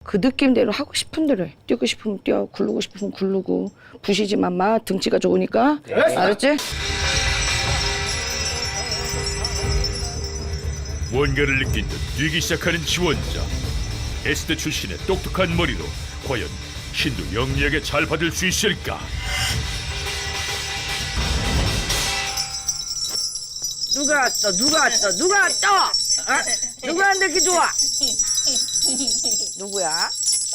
그 느낌대로 하고 싶은 대로 해. 뛰고 싶으면 뛰어, 굴르고 싶으면 굴르고. 부시지만 마, 등치가 좋으니까. 알았지? 뭔가를 느낀 듯 뛰기 시작하는 지원자. S대 출신의 똑똑한 머리로 과연 신도 영리하게 잘 받을 수 있을까? 누가 왔어? 누가 왔어? 누가 왔어? 어? 누구한테 이렇게 좋아? 누구야?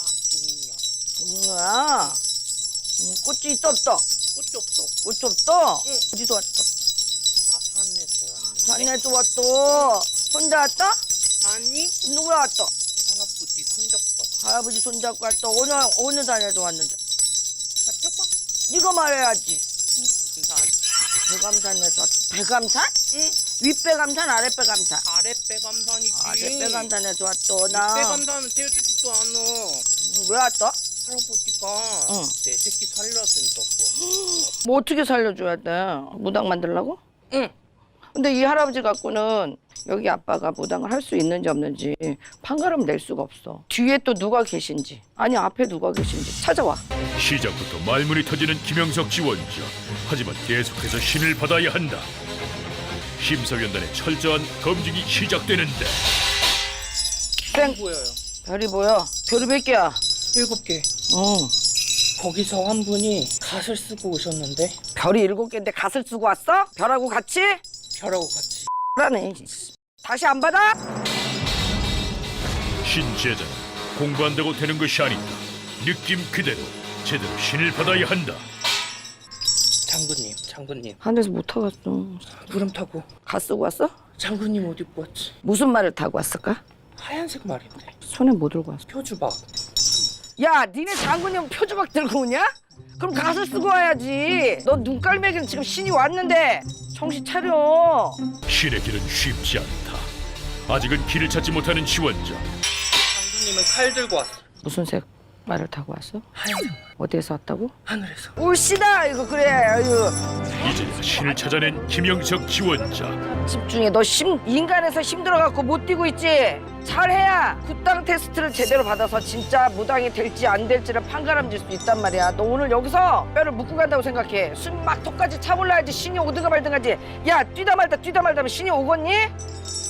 동료야. 꽃이 있어 없어? 꽃이 없어. 꽃이 없어? 응. 어디서 왔어? 산에서 왔는데. 산에서 왔어. 혼자 왔어? 아니, 누가 왔어? 하나부지 손잡고 왔어. 할아버지 손잡고 왔어. 어느 산에서 왔는데? 맞춰봐. 네가 말해야지. 산. 배감산에서 왔어. 배감산? 응. 윗배감산, 아랫배감산? 아랫배감산이지. 아랫배감산에서 왔어. 나. 윗배감산은 태워주지도 않아. 왜 왔어? 할아버지가 응. 내 새끼 살려준다고. 뭐 어떻게 살려줘야 돼? 무당 만들라고? 응. 근데 이 할아버지 갖고는 여기 아빠가 무당을 할 수 있는지 없는지 판가름 낼 수가 없어. 뒤에 또 누가 계신지, 아니 앞에 누가 계신지 찾아와. 시작부터 말문이 터지는 김영석 지원자. 하지만 계속해서 신을 받아야 한다. 심사위원단의 철저한 검증이 시작되는데 땡! 보여요. 별이 보여. 별이 몇 개야? 7개. 어. 거기서 한 분이 갓을 쓰고 오셨는데 별이 7개인데 갓을 쓰고 왔어? 별하고 같이? 별하고 같이. 라네. 다시 안 받아? 신제자는 공부한다고 되는 것이 아니다. 느낌 그대로 제대로 신을 받아야 한다. 장군님. 하늘에서 못 타갔어. 구름 타고. 갓 쓰고 왔어? 장군님 옷 입고 왔지. 무슨 말을 타고 왔을까? 하얀색 말인데. 손에 뭐 들고 왔어? 표주박. 야, 니네 장군님 표주박 들고 오냐? 그럼 갓을 쓰고 와야지. 너 눈깔매기는 지금 신이 왔는데 정신 차려. 신의 길은 쉽지 않다. 아직은 길을 찾지 못하는 지원자. 장군님은 칼 들고 왔어. 무슨 색 말을 타고 왔어? 하얀색 말. 어디에서 왔다고? 하늘에서. 올시다 이거 그래. 아유. 이제 신을 찾아낸 김영석 지원자. 집중해. 너 인간에서 힘들어갖고 못 뛰고 있지? 잘해야 굿당 테스트를 제대로 받아서 진짜 무당이 될지 안 될지를 판가름질 수 있단 말이야. 너 오늘 여기서 뼈를 묶고 간다고 생각해. 숨 막 턱까지 차올라야지 신이 오든가 말든가지. 야 뛰다 말다 하면 신이 오겠니?